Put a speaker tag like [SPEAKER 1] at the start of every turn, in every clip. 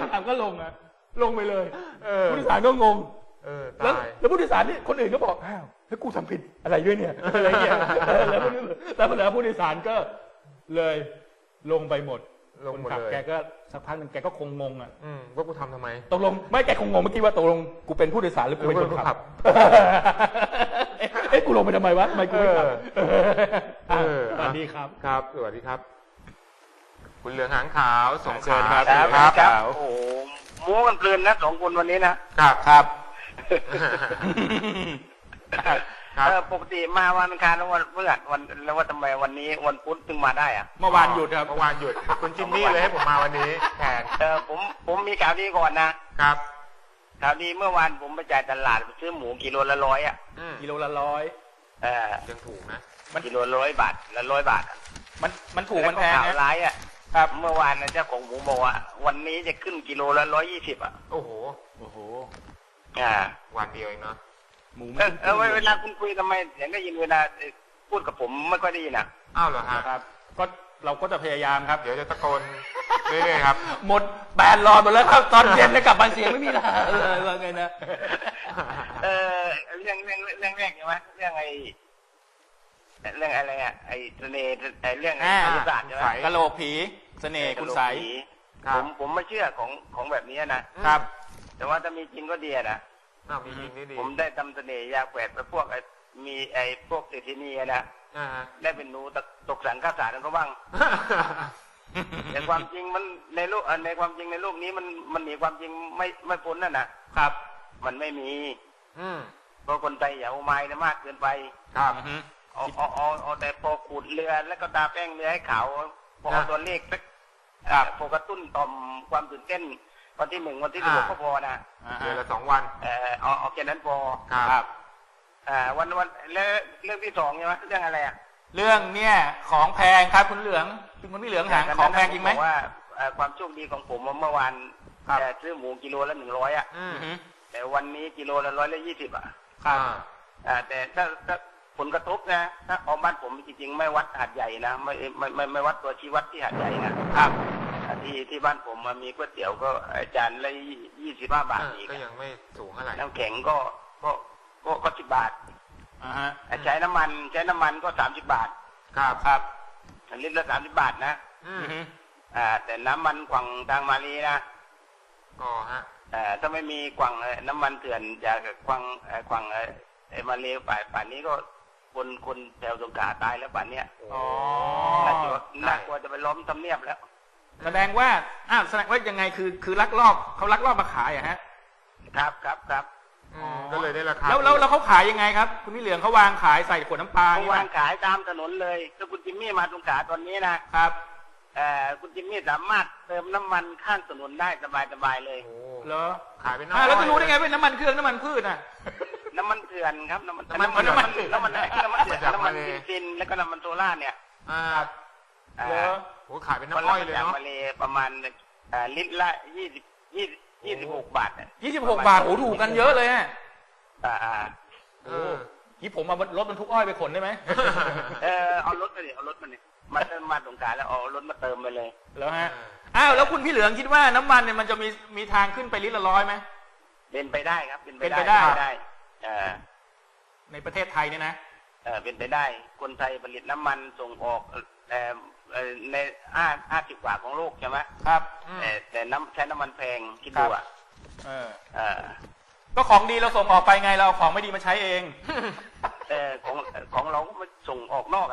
[SPEAKER 1] ถามก็ลงอะลงไปเลยผู้โดยสารก็งงแล้วผู้โดยสารนี่คนอื่นก็บอกอ้าวแล้วกูทำผิดอะไรด้วยเนี่ยอะไรเงี้ยแล้วผู้โดยสารก็เลยลงไปหมดคนขับแกก็สักพักนึงแกก็คงงงอ่ะ
[SPEAKER 2] ว่ากูทำทำไม
[SPEAKER 1] ตกลงไม่แกคงงงเมื่อกี้ว่าตกลงกูเป็นผู้โดยสารหรือกูเป็นคนขับเอ๊ะกูลงไปทำไมวะทำไมกูไม่ขับสวัสดีครับ
[SPEAKER 2] ครับสวัสดีครับคุณเหลืองหางขาวสงขลา
[SPEAKER 3] ครับโอ้โหม้วนกันเพลินนะสองคนวันนี้
[SPEAKER 1] นะครับ
[SPEAKER 3] ปกติมาวันอังคารแล้ววันพฤหัสวันแล้วว่าทำไมวันนี้วันพุธถึงมาได้อะ
[SPEAKER 1] เมื่อวานหยุดครับ
[SPEAKER 2] เมื่อวานหยุดคุณจิมมี่เลยให้ผมมาวันนี้แทน
[SPEAKER 3] ผมมีข่าวดีก่อนนะครับข่าวดีเมื่อวานผมไปจ่ายตลาดไปซื้อหมูกิโลละ100อ่ะ
[SPEAKER 1] กิโลละ100
[SPEAKER 2] ยังถูกนะ
[SPEAKER 3] มันกิโล100 บาทละ100 บาท
[SPEAKER 1] มันถูกมันแพง
[SPEAKER 3] ข่าวร้ายอ่ะครับเมื่อวานนะเจ้าของหมูบอกว่าวันนี้จะขึ้นกิโลละ120อ่ะ
[SPEAKER 2] โอ้โหวันเดียวเองเนาะ
[SPEAKER 3] หมูเวลาคุณคุยทำไมเสียงได้ยินเวลาพูดกับผมไม่ค่อยได้ยิน
[SPEAKER 2] อ้าวเหรอ
[SPEAKER 1] ครับก็เราก็จะพยายามครับ
[SPEAKER 2] เดี๋ยวจะตะโกนเรื่อยๆครับ
[SPEAKER 1] หมดแบนรอหมดแล้วครับตอนเย็นแล้วกลับมาเสียงไม่มีแล้วว่าไงนะ
[SPEAKER 3] เรื่องแรกใช่ไหมเรื่องอะไรอ่ะไอ้เสน่ห์เรื่องไสยศาสตร์ใช่ไหม
[SPEAKER 1] กะโหลกผีเสน่ห์คุณใส
[SPEAKER 3] ผมไม่เชื่อของแบบนี้นะครับแต่ว่าถ้ามีจริงก็ดีนะ
[SPEAKER 2] มีจริงดี
[SPEAKER 3] ผมได้ทำเสน่ห์ยาแฝดไปพวกมีพวกเศรษฐีนีนะได้เป็นหนูตกสังฆาสารก็บ้างแต่ความจริงมันในโลกในความจริงในโลกนี้มันหนีความจริงไม่พ้น
[SPEAKER 1] นะครับ
[SPEAKER 3] มันไม่มีเพราะคนไทยอย่าเอาไม้มากเกินไป
[SPEAKER 2] ครับ
[SPEAKER 3] เอาแต่พอขูดเรือแล้วก็ตาแป้งเรือให้ขาวพอตัวเลขพอกระตุ้นต่อมความตื่นเต้นวันที่1วันที่16ก็พอนะ
[SPEAKER 2] เดือนละ2 วัน
[SPEAKER 3] เอาแค่นั้นพอ
[SPEAKER 1] ครับ
[SPEAKER 3] วันแล้วเรื่องที่2ใช่ไหมเรื่องอะไร
[SPEAKER 1] เรื่องเนี่ยของแพงครับคุณเหลืองคุณพี่เหลืองหางของแพงจริงไหม
[SPEAKER 3] ว่าความโชคดีของผมเมื่อวานซื้อหมูกิโลละ100แต่วันนี้กิโลละ120
[SPEAKER 1] ครับ
[SPEAKER 3] แต่ถ้าผลกระทบนะถ้าเอาบ้านผมจริงๆไม่วัดหาดใหญ่นะไม่วัดตัวชี้วัดที่หาดใหญ่
[SPEAKER 1] นะครับ
[SPEAKER 3] ที่บ้านผมมีก๋วยเตี๋ยวก็จานละ25 บาทอีก
[SPEAKER 2] ก็ยังไม่สูงเท่าไหร่
[SPEAKER 3] น้ำแข็งก็10 บาทใช้น้ำมันก็30 บาท
[SPEAKER 1] ครับ
[SPEAKER 3] ลิตรละ30 บาทนะแต่น้ำมันกว่างทางมาลีนะถ้าไม่มีกว่างน้ำมันเถื่อนจากกว่างมาลีป่านนี้ก็คนแถวสงขลาตายแล้วป่านเนี้ยน่ากลัวจะไปล้อมทำเนียบแล้ว
[SPEAKER 1] แสดงว่าแสดงว่ายังไงคือลักลอบเขาลักลอบมาขายฮะ
[SPEAKER 3] ครับ
[SPEAKER 2] ก็เลยได้ราคา
[SPEAKER 1] แล้วเขาขายยังไงครับคุณพี่เหลืองเขาวางขายใส่ขวดน้ำปลา
[SPEAKER 3] เขาวางขายตามถนนเลยถ้าคุณจิมมี่มาสงขลาตอนนี้นะครับคุณจิมมี่สามารถเติมน้ำมันข้างถนนได้สบายเลย
[SPEAKER 1] เหรอ
[SPEAKER 2] ขายเป็น
[SPEAKER 1] แล้วจะรู้ได้ไงเป็นน้ำมันเครื่องน้ำมันพืช
[SPEAKER 3] น้ำมันเถื่อนครับน้ำมันเถื่อนน้ำมันซินแล้วก็น้ำมันโซล่าเนี่ย
[SPEAKER 2] โหขายเป็นน้ำอ้อยเลยเนาะ
[SPEAKER 3] มาเลยประมาณลิตรละ26 บาท
[SPEAKER 1] 26 บาทโอ้ถูกกันเยอะเลยนี่ผมมารถบรรทุกอ้อยไปขนได้ไหม
[SPEAKER 3] เอารถมาดิมาสงขลาแล้วเอารถมาเติมไปเลย
[SPEAKER 1] แล้วฮะแล้วคุณพี่เหลืองคิดว่าน้ำมันเนี่ยมันจะมีทางขึ้นไปลิตรละ100ไหม
[SPEAKER 3] เป็นไปได้ครับ
[SPEAKER 1] เป็นไปได้ในประเทศไทยเนี่ยนะ
[SPEAKER 3] เป็นไปได้คนไทยผลิตน้ำมันส่งออกใน50 กว่าของโลกใช่ไหม
[SPEAKER 1] ครับ
[SPEAKER 3] แต่ใช้น้ำมันแพงคิดดู
[SPEAKER 1] ก็ของดีเราส่งออกไปไงเราของไม่ดีมาใช้เอง
[SPEAKER 3] ของเราก็มาส่งออกนอก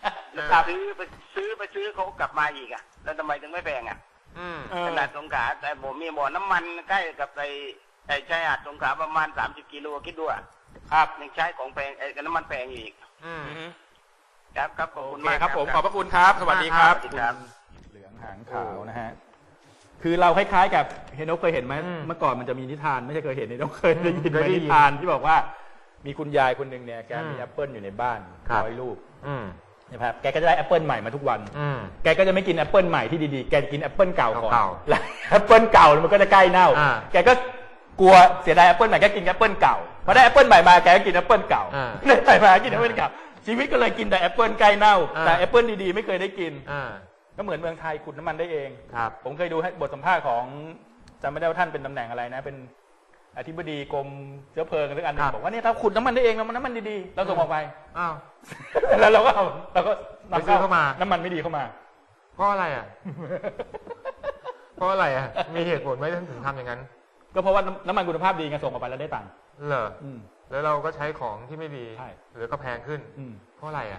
[SPEAKER 3] ซื้อเขากลับมาอีกแล้วทำไมถึงไม่แพงขนาดสงขลาแต่ผมมีบ่อน้ำมันใกล้กับไอ้ชายหาดสงขลาประมาณ30 กิโลคิดดู
[SPEAKER 1] ครับ
[SPEAKER 3] ยังใช้ของแพงน้ำมันแพงอีกครับขอบคุณมาก
[SPEAKER 1] ครับผมขอบพระคุณครับสวัสดีครับเหลืองหางขาวนะฮะคือเราคล้ายๆกับเฮนโนเคยเห็นไหมเมื่อก่อนมันจะมีนิทานไม่ใช่เคยเห็นเฮนโนเคยได้ยินไหมนิทานที่บอกว่ามีคุณยายคนหนึ่งเนี่ยแกมีแอปเปิลอยู่ในบ้าน100 ลูกนะครับแกก็จะได้แอปเปิลใหม่มาทุกวันแกก็จะไม่กินแอปเปิลใหม่ที่ดีๆแกจะกินแอปเปิลเก่าก่อนแล้วแอปเปิลเก่ามันก็จะใกล้เน่าแกก็กลัวเสียดายแอปเปิลใหม่ก็กินแอปเปิลเก่าพอได้แอปเปิลใหม่มาแกก็กินแอปเปิลเก่าได้ใหม่มากินแอปเปิลเก่าชีวิตก็เลยกินแต่แอปเปิลใกล้เน่าแต่แอปเปิลดีๆไม่เคยได้กินก็เหมือนเมืองไทยขุดน้ำมันได้เองผมเคยดูบทสัมภาษณ์ของจำไม่ได้ว่าท่านเป็นตำแหน่งอะไรนะเป็นอธิบดีกรมเชื้อเพลิงอะไรอันหนึงบอกว่าเนี่ยถ้าขุดน้ำมันได้เองเราน้ำมันดีๆเราส่งออกไป
[SPEAKER 2] อ้าว
[SPEAKER 1] แล้วเราก็นำ
[SPEAKER 2] ไปซื้อเข้ามา
[SPEAKER 1] น้ำมันไม่ดีเข้ามา
[SPEAKER 2] เพราะอะไรอ่ะ เพราะอะไรอ่ะ มีเหตุผลไหมถึงทำอย่างนั้น
[SPEAKER 1] ก็เพราะว่าน้ำมันคุณภาพดีไงส่งออกไปแล้วได้ตังค์
[SPEAKER 2] เหรอ
[SPEAKER 1] อืม
[SPEAKER 2] แล้วเราก็ใช้ของที่ไม่ดี
[SPEAKER 1] ใช่
[SPEAKER 2] หรือก็แพงขึ้น
[SPEAKER 1] อืม
[SPEAKER 2] เพราะอะไรอ่ะ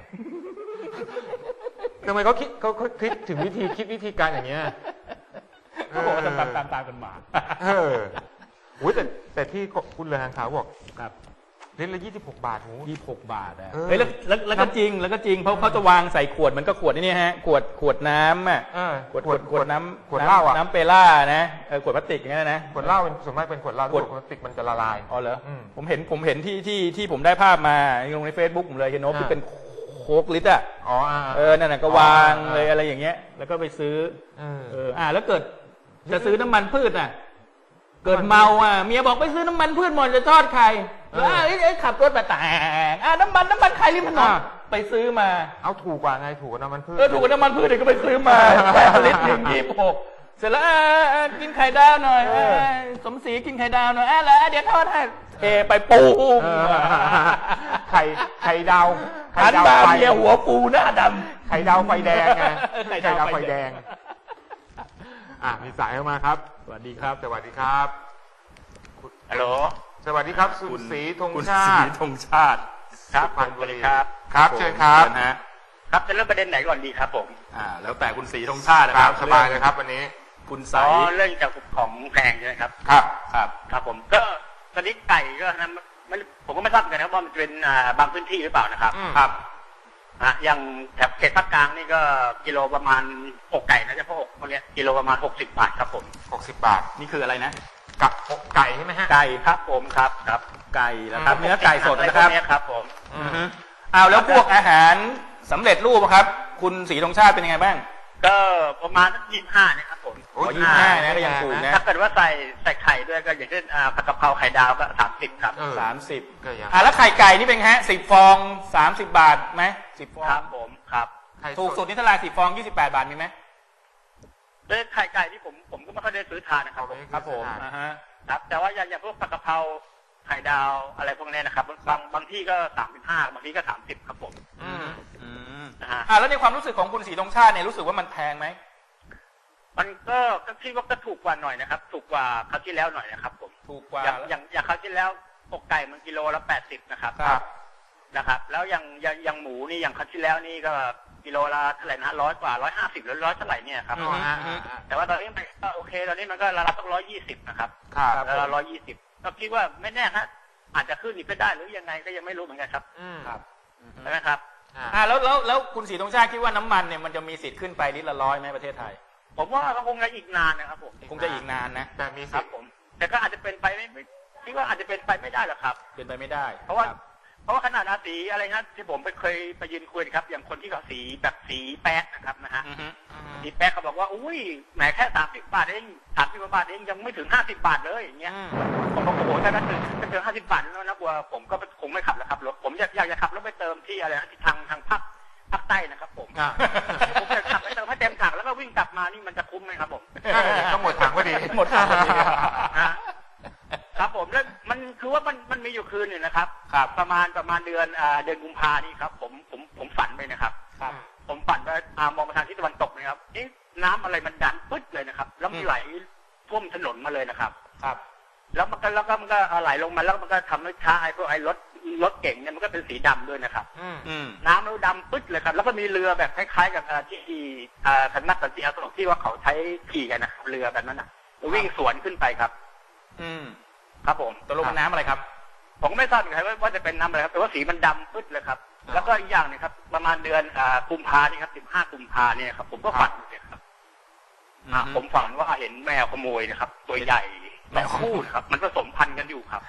[SPEAKER 2] ทำไมเขาคิดถึงวิธีการอย่างเงี้ย
[SPEAKER 1] เขาบอกว่าตามกันมา
[SPEAKER 2] เอออุ้ยแต่ที่คุณเรืองหางขาวบอก
[SPEAKER 1] ครับ
[SPEAKER 2] ลิตรละ26 บาทหู
[SPEAKER 1] 26 บาทนะ
[SPEAKER 2] เออ
[SPEAKER 1] เฮ้ยแล้วก็จริงเพราะเขาจะวางใส่ขวดมันก็ขวดนี่ฮะขวดน้ำอ่ะ
[SPEAKER 2] เออ
[SPEAKER 1] ขวดน้ำ
[SPEAKER 2] ขวดเหล้าอ่ะ
[SPEAKER 1] น้ำเปล่านะขวดพลาสติกอย่างนั้นนะ
[SPEAKER 2] ขวดเหล้าเป็นส่วนมากเป็นขวดเหล้า
[SPEAKER 1] ขวด
[SPEAKER 2] พลาสติกมันจะละลาย
[SPEAKER 1] อ๋อเหรอ
[SPEAKER 2] อืม
[SPEAKER 1] ผมเห็นที่ผมได้ภาพมาลงใน Facebook ผมเลยเห็นโน้ตที่เป็นโค้กลิตรอ่ะ
[SPEAKER 2] อ๋อ
[SPEAKER 1] นั่นน่ะก็วางเลยอะไรอย่างเงี้ยแล้วก็ไปซื้อแล้วเกิดจะซื้อน้ำมันพืชน่ะเกิดเมาเมียบอกไปซื้อน้ำมันพืชหมดจะทอดไข่แล้วขับรถไปแต่น้ำมันไข่ริมถนนไปซื้อมา
[SPEAKER 2] เอาถูกกว่าไงถูกกว่าน้ำมันพืช
[SPEAKER 1] ถูกกว่าน้ำมันพืชเลยก็ไปซื้อมาลิตร1 26เสร็จแล้วกินไข่ดาวหน่อยสมศรีกินไข่ดาวหน่อยแล้วเดี๋ยวทอดให้ไปปู
[SPEAKER 2] ไข่ดาว
[SPEAKER 1] หันมาเมียหัวปูหน้าดำ
[SPEAKER 2] ไข่ดาวไฟแดงไง
[SPEAKER 1] ไข่
[SPEAKER 2] ไข่
[SPEAKER 1] ดา
[SPEAKER 2] ดาว ว
[SPEAKER 1] ไฟ
[SPEAKER 2] ไฟ
[SPEAKER 1] แด
[SPEAKER 2] แด
[SPEAKER 1] ง
[SPEAKER 2] งมีสายเข้ามาครับ
[SPEAKER 1] สวัสดีครับ
[SPEAKER 2] สวัสดีครับ
[SPEAKER 3] ฮัลโหล
[SPEAKER 2] สวัสดีครับคุณศรีธงชา
[SPEAKER 1] ศรี
[SPEAKER 2] ติ
[SPEAKER 1] ธงชาติ
[SPEAKER 3] ครับ
[SPEAKER 2] สุพรรณ
[SPEAKER 3] ส
[SPEAKER 2] บุ
[SPEAKER 3] วัส
[SPEAKER 2] รี
[SPEAKER 3] ดีครับ
[SPEAKER 2] ครับเชิญครับ
[SPEAKER 1] นะฮะ
[SPEAKER 3] ครับจะเริ่มประเด็นไหนก่อนดีครับผม
[SPEAKER 1] แล้วแต่คุณศรีธงชาตินะ
[SPEAKER 2] ค
[SPEAKER 1] ค
[SPEAKER 2] รั
[SPEAKER 1] รั
[SPEAKER 2] บบ สบายเลยครับวันนี้
[SPEAKER 1] คุณใส
[SPEAKER 3] เรื่องจากของแพงใช่ไหมครับ
[SPEAKER 2] ครับ
[SPEAKER 3] ครับผมก็ตอนนี้ไก่ก็นะผมก็ไม่ทราบเหมือนกันนะว่ามันจะเป็นบางพื้นที่หรือเปล่านะครับ
[SPEAKER 1] ครับ
[SPEAKER 3] อย่างแถบเขตภาคกลางนี่ก็กิโลประมาณอกไก่นะเฉพาะอกคนเนี้ยกิโลประมาณ60 บาทครับผม
[SPEAKER 2] 60 บาท
[SPEAKER 1] นี่คืออะไรนะ
[SPEAKER 2] กับอกไก่ใช่ไหมฮะ
[SPEAKER 3] ไก่ครับผมครับ
[SPEAKER 1] ไก่นะครับเนื้อไก่สดนะครับ
[SPEAKER 3] เนี้ยครับผม
[SPEAKER 1] แล้วพวกอาหารสำเร็จรูปครับ คุณศรีธงชาติเป็นยังไงบ้าง
[SPEAKER 3] ก็ประมาณสัก25เนี่ยครับผม
[SPEAKER 1] 25นะก็ยังถูกนะ
[SPEAKER 3] ถ้าเกิดว่าใส่ไข่ด้วยก็อย่างเช่นผัดกะเพราไข่ดาวก็30ครับ
[SPEAKER 1] 30
[SPEAKER 2] ก็ยัง
[SPEAKER 1] แล้วไข่ไก่นี่เป็นฮะ10 ฟอง30 บาทไหม10 ฟอง
[SPEAKER 3] ครับผมครับ
[SPEAKER 1] ถูกสุดนี่เท่าไหร่10 ฟอง28 บาทมีไหม
[SPEAKER 3] ด้วยไข่ไก่ที่ผมก็ไม่ค่อยได้ซื้อทานนะครับผม
[SPEAKER 1] ครับผม
[SPEAKER 3] ครับแต่ว่าอย่างพวกผัดกะเพราไข่ดาวอะไรพวกนี้นะครับบางที่ก็35บางที่ก็30ครับผม
[SPEAKER 1] แล้วในความรู้สึกของคุณศรีธงชาติเนี่ยรู้สึกว่ามันแพงไหม
[SPEAKER 3] มันก็คิดว่าก็ถูกกว่าหน่อยนะครับถูกกว่าคราวที่แล้วหน่อยนะครับผม
[SPEAKER 1] ถูกกว่า
[SPEAKER 3] อย่างคราวที่แล้วอกไก่มันกิโลละ80นะครับนะครับแล้วอย่างหมูนี่อย่างคราวที่แล้วนี่ก็กิโลละเท่าไหร่นะ100 กว่า150หรือ100เท่าไหร่เนี่ยครับแต่ว่าตอนนี้มันก็โอเคตอนนี้มันก็ระดับต้อง120นะครับแล้ว120ก็คิดว่าไม่แน่ฮะอาจจะขึ้นอีกก็ได้หรือยังไงก็ยังไม่รู้เหมือนกันครับใช่ไหมครับ
[SPEAKER 1] แล้วคุณศรีธงชาติคิดว่าน้ำมันเนี่ยมันจะมีสิทธิ์ขึ้นไปลิตรละ100ไหมประเทศไทย
[SPEAKER 3] ผมว่าก็คงจะอีกนานนะครับผม
[SPEAKER 1] คงจะอีกนานนะ
[SPEAKER 2] แต่มี
[SPEAKER 3] สิทธิ์ผมแต่ก็อาจจะเป็นไปไม่คิดว่าอาจจะเป็นไปไม่ได้หรอกครับ
[SPEAKER 1] เป็นไปไม่ได้
[SPEAKER 3] เพราะว่าขนาดสีอะไรนะที่ผมเคยไปยืนคุยครับอย่างคนที่เขาสีแบบสีแป๊กนะครับนะฮะสีแป๊กเขาบอกว่าอุ้ยแหมแค่30 บาทเอง30 บาทเองยังไม่ถึง50 บาทเลยอย่างเงี้ยผมบอกโอ้โหถ้าถึง50 บาทแล้วนะกลัวผมก็คงไม่ขับแล้วครับรถผมอยากจะขับรถไปเติมที่อะไรนะที่ทางภาคใต้นะครับผมจะขับไปเติมให้เต็มถังแล้วก็วิ่งกลับมานี่มันจะคุ้มไหมครับผม
[SPEAKER 2] ต้องหมดถังพอดี
[SPEAKER 1] หมดถังพอดี
[SPEAKER 3] ครับผมแล้วมันคือว่ามันมีอยู่คืนหนึ่งนะครับประมาณเดือนกุมภานี่ครับผมฝันไปนะครับผมฝันว่ามองไปทางทิศตะวันตกนะครับน้ำอะไรมันดันปึ๊ดเลยนะครับแล้วมันไหลท่วมถนนมาเลยนะครับแล้วมันก็ไหลลงมาแล้วมันก็ทำให้ท้ายพวกรถเก่งเนี่ยมันก็เป็นสีดำด้วยนะครับน้ำมันดำปึ๊ดเลยครับแล้วก็มีเรือแบบคล้ายๆกับที่สำนักสันติอโศกที่ว่าเขาใช้ขี่กันนะครับเรือแบบนั้นนะวิ่งสวนขึ้นไปครับครับผม
[SPEAKER 1] ตกลงน้ำอะไรครับ
[SPEAKER 3] ผมไม่ทราบเหมือนกันว่าจะเป็นน้ำอะไรครับแต่ว่าสีมันดำปึ๊ดเลยครับแล้วก็อีกอย่างนึงครับประมาณเดือนกุมภานี่ครับ15 กุมภาเนี่ยครับผมก็ฝันเลยครับผมฝันว่าเห็นแมวขโมยนะครับตัวใหญ่แมวคู่ครับมันผสมพันธุ์กันอยู่ครับ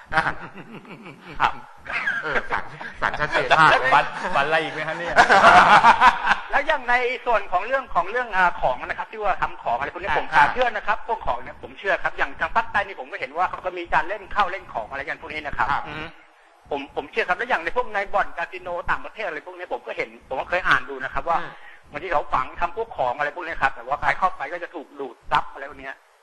[SPEAKER 2] ฝันชัดเจนมาก
[SPEAKER 1] ฝันอะไรอีกไหมครับเนี่ย
[SPEAKER 3] แล้วอย่างในส่วนของเรื่องของนะครับที่ว่าทำของอะไรพวกนี้ผมเชื่อนะครับพวกของเนี่ยผมเชื่อครับอย่างทางภาคใต้นี่ผมก็เห็นว่าเขาก็มีการเล่นเข้าเล่นของอะไรกันพวกนี้นะครับผมเชื่อครับแล้วอย่างในพวกในบ่อนคาสิโนต่างประเทศอะไรพวกนี้ผมก็เห็นผมก็เคยอ่านดูนะครับว่าบางทีเขาฝังทำพวกของอะไรพวกนี้ครับแต่ว่าใครเข้าไปก็จะถูกดูดซับอะไรพวกนี้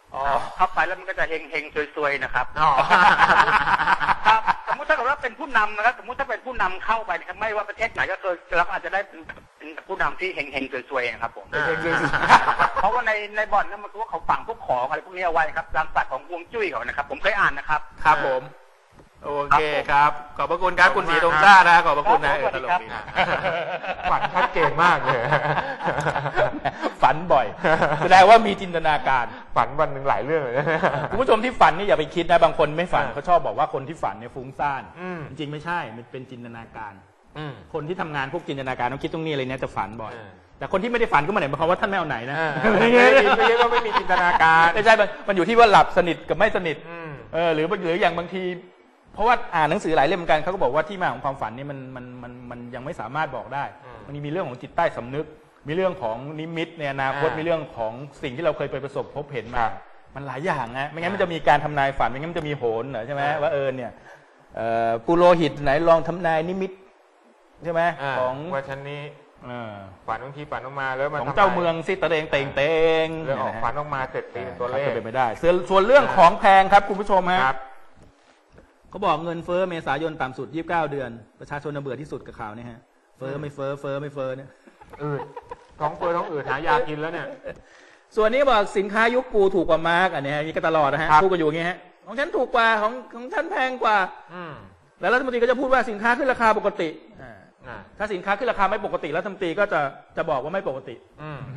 [SPEAKER 1] อ๋อ
[SPEAKER 3] เข้าไปแล้วมันก็จะเฮงๆซวยๆนะครับ
[SPEAKER 2] อ๋อ
[SPEAKER 3] ครับสมมติถ้าเกิดว่าเป็นผู้นำนะครับสมมติถ้าเป็นผู้นำเข้าไปนะครับไม่ว่าประเทศไหนก็คือเราก็อาจจะได้เป็นผู้นำที่เฮงๆซวยๆนะครับผม เพราะว่าในบ่อนนั้นมันคือว่าเขาฝังพวกของอะไรพวกนี้เอาไว้ครับตามศาสตร์ของฮวงจุ้ยเขานะครับ ผมเคยอ่านนะครับ
[SPEAKER 1] ครับผม โอเคครับ ขอบพระคุณครับ คุณศรีตรงซ่านะขอบพระคุณนะ
[SPEAKER 3] ครับ
[SPEAKER 1] ตลกดี
[SPEAKER 3] ครับ
[SPEAKER 2] ฝันชัดเจนมากเลย
[SPEAKER 1] ฝันบ่อย แสดงว่ามีจินตนาการ
[SPEAKER 2] ฝันวันหนึ่งหลายเรื่องเลยนะ
[SPEAKER 1] คุณผู้ชมที่ฝันนี่อย่าไปคิดนะบางคนไม่ฝันเขาชอบบอกว่าคนที่ฝันเนี่ยฟุ้งซ่าน
[SPEAKER 2] อืม
[SPEAKER 1] จริงๆไม่ใช่มันเป็นจินตนาการ
[SPEAKER 2] อืม
[SPEAKER 1] คนที่ทำงานพวกจินตนาการต้องคิดตรงนี้เลยเนี่ยจะฝันบ่อย
[SPEAKER 2] เออ
[SPEAKER 1] แต่คนที่ไม่ได้ฝันก็ไม่ได้หมายความว่าท่านไม่เอาไหนนะ
[SPEAKER 2] ไม่ใช่ว่าไม่มีจินตนาการ
[SPEAKER 1] ไม่ใช่มันอยู่ที่ว่าหลับสนิทกับไม่สนิท
[SPEAKER 2] อืม
[SPEAKER 1] หรืออย่างบางที เพราะว่าอ่านหนังสือหลายเล่มเหมือนกันเขาก็บอกว่าที่มาของความฝันนี่มันยังไม่สามารถบอกได้
[SPEAKER 2] อืม
[SPEAKER 1] มันมีเรื่องของจิตใต้สำนึก มีเรื่องของนิมิตในอนาคตมีเรื่องของสิ่งที่เราเคยไปประสบพบเห็นมา มันหลายอย่างนะไม่งั้นมันจะมีการทำนายฝันไม่งั้นมันจะมีโหรเหรอใช่ไหมว่าเนี่ยปุโรหิตไหนลองทำนายนิมิตใช่ไหมของ
[SPEAKER 2] ว่าฉันนี้ฝันบางทีฝันออกมาแล้วมัน
[SPEAKER 1] ของเจ้าเมืองซิตะเรงเตงเตง
[SPEAKER 2] แล้วออกฝันออกมาเสร็จตีเป็นตัวเลข
[SPEAKER 1] ก็เป็นไปได้ส่วนเรื่องของแพงครับคุณผู้ชมฮะ
[SPEAKER 2] ครับ
[SPEAKER 1] เขาบอกเงินเฟ้อเมษายนต่ำสุด29 เดือนประชาชนเบื่อที่สุดกับข่าวนี้ฮะเฟ้อไม่เฟ้อเนี่ย
[SPEAKER 2] อืดท้องเฟ้อท้องอืดหายากินแล้วเนี่ย
[SPEAKER 1] ส่วนนี้บอกสินค้ายุคกูถูกกว่ามาร์กอันนี้มีก็ตลอดนะฮะ
[SPEAKER 2] ครับ
[SPEAKER 1] พูดกันอยู่อย่างงี้ฮะของฉันถูกกว่าของฉันแพงกว่า
[SPEAKER 2] อืม
[SPEAKER 1] แล้วรัฐมนตรีก็จะพูดว่าสินค้าขึ้นราคาปกติ
[SPEAKER 2] อ่า
[SPEAKER 1] ถ้าสินค้าขึ้นราคาไม่ปกติรัฐมนตรีก็จะบอกว่าไม่ปกติ
[SPEAKER 2] อืม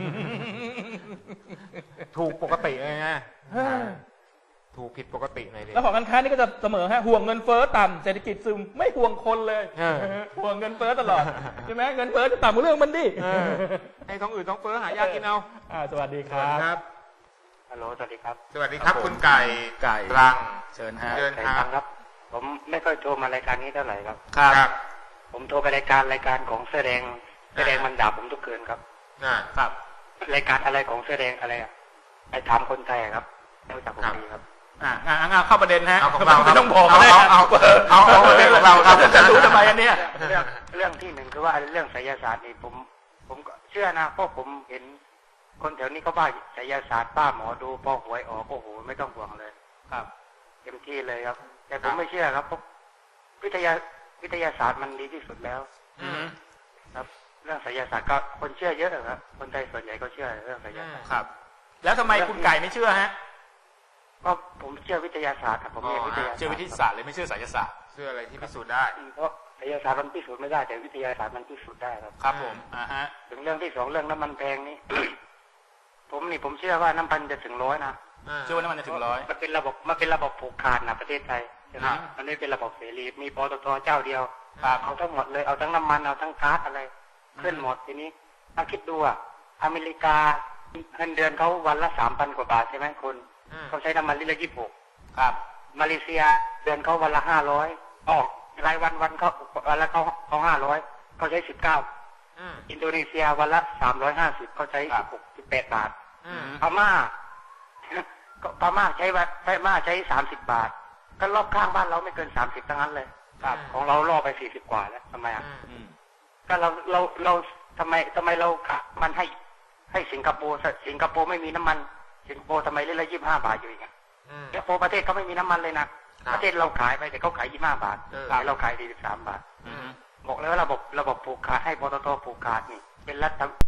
[SPEAKER 2] ถูกปกติเลยนะถูกผิดปกติหน่อยดิ
[SPEAKER 1] แล้วของการค้านี่ก็จะเสมอฮะห่วงเงินเฟ้อต่ำเศรษฐกิจซึมไม่ห่วงคนเลย ห่วงเงินเฟ้อตลอดใช่ไหมเงินเฟ้อจะต่ำกว่าเรื่องมันดิ
[SPEAKER 2] ให้ท้องอืดท้องเฟ้อหายากินเอา
[SPEAKER 1] สวัสดีครับ
[SPEAKER 3] ฮัลโหลสวัสดีครับ
[SPEAKER 2] สวัสดีครับคุณไก่
[SPEAKER 1] ไก่
[SPEAKER 2] รัง
[SPEAKER 1] เชิญฮะ
[SPEAKER 2] เชิญ
[SPEAKER 3] ไก่
[SPEAKER 2] ค
[SPEAKER 3] ฟั
[SPEAKER 2] รับ
[SPEAKER 3] งครับ ผมไม่ค่อยโทรมารายการนี้เท่าไหร่ครับ
[SPEAKER 1] ครับ
[SPEAKER 3] ผมโทรไปรายการของแสดงมันด่าผมทุกคืนครับ
[SPEAKER 1] ครับ
[SPEAKER 3] รายการอะไรของแสดงอะไรอ่ะไปถามคนไทยครับไม่รู้จักผมดีครับ
[SPEAKER 1] เข้าประเด็นฮะ
[SPEAKER 2] เอาของเรา
[SPEAKER 1] ไม่ต้องบอกก็ได้
[SPEAKER 2] เอาประเด็นของเราครับ
[SPEAKER 1] จะรู้ทำไมอันเนี้ย
[SPEAKER 3] เรื่องที่หนึ่งคือว่าเรื่องไสยศาสตร์นี่ผมก็เชื่อนะเพราะผมเห็นคนแถวนี้เขาบ้าไสยศาสตร์ป้าหมอดูพอหวยออกโอ้โหไม่ต้องห่วงเลย
[SPEAKER 1] ครับ
[SPEAKER 3] เต็มที่เลยครับ แต่ผมไม่เชื่อครับเพราะวิทยาศาสตร์มันดีที่สุดแล้วครับ เรื่องไสยศาสตร์ก็คนเชื่อเยอะครับคนไทยส่วนใหญ่ก็เชื่อเรื่องไสยศาสตร์
[SPEAKER 1] ครับ แล้วทำไมคุณไก่ไม่เชื่อฮะ
[SPEAKER 3] ก็ผมเชื่อวิทยาศาสตร์ครับผมเรียนวิทยาศาสตร์
[SPEAKER 1] เชื่อวิทยาศาสตร์เลยไม่เชื่อไสยศาสตร์
[SPEAKER 2] เชื่ออะไรที่พิสูจน์ได้
[SPEAKER 3] เพราะไสยศาสตร์มันพิสูจน์ไม่ได้แต่วิทยาศาสตร์มันพิสูจน์ได้ครับ
[SPEAKER 1] ครับผมฮะ
[SPEAKER 3] ถึงเรื่องที่สองเรื่องน้ำมันแพงนี่ ผมเชื่อว่าน้ำมันจะถึง100นะ
[SPEAKER 1] เชื่อว่าน้ำมันจะถึง100
[SPEAKER 3] มันเป็นระบบผูกขาดนะประเทศไทยใช่ไหม
[SPEAKER 1] ครับ
[SPEAKER 3] มันไม่เป็นระบบเสรีมีปตทเจ้าเดียว
[SPEAKER 1] ครับ
[SPEAKER 3] เอาทั้งหมดเลยเอาทั้งน้ำมันเอาทั้งก๊าซอะไรขึ้นหมดทีนี้ถ้าคิดดูอ่ะอเมริกาเงินเดือนเขาวันละ3,000 กว่าบาทใช่ไหมคุณเขาใช้น้ำมันลิตรละ26
[SPEAKER 1] ครับ
[SPEAKER 3] มาเลเซียเดือนเขาวันละ500ออกรายวันเขาวันละเขา500เขาใช้19อินโดนีเซียวันละ350เขาใช้16-18 บาทพม่าก็พม่าใช้30 บาทก็รอบข้างบ้านเราไม่เกิน30ทั้งนั้นเลยครับของเราล่อไป40 กว่าแล้วทำไมอ่ะก็เราทำไมเราขับมันให้สิงคโปร์ไม่มีน้ำมันสิงคโปร์ทำไมลิตรละ25 บาทอยู่อีกอ่ะสิงคโปร์ประเทศเขาไม่มีน้ำมันเลยนะประเทศเราขายไปแต่เขาขาย25 บาทแต่เราขาย43 บาทบอกแล้วระบบผูกขาดให้ปตทผูกขาดนี่เป็นรัฐ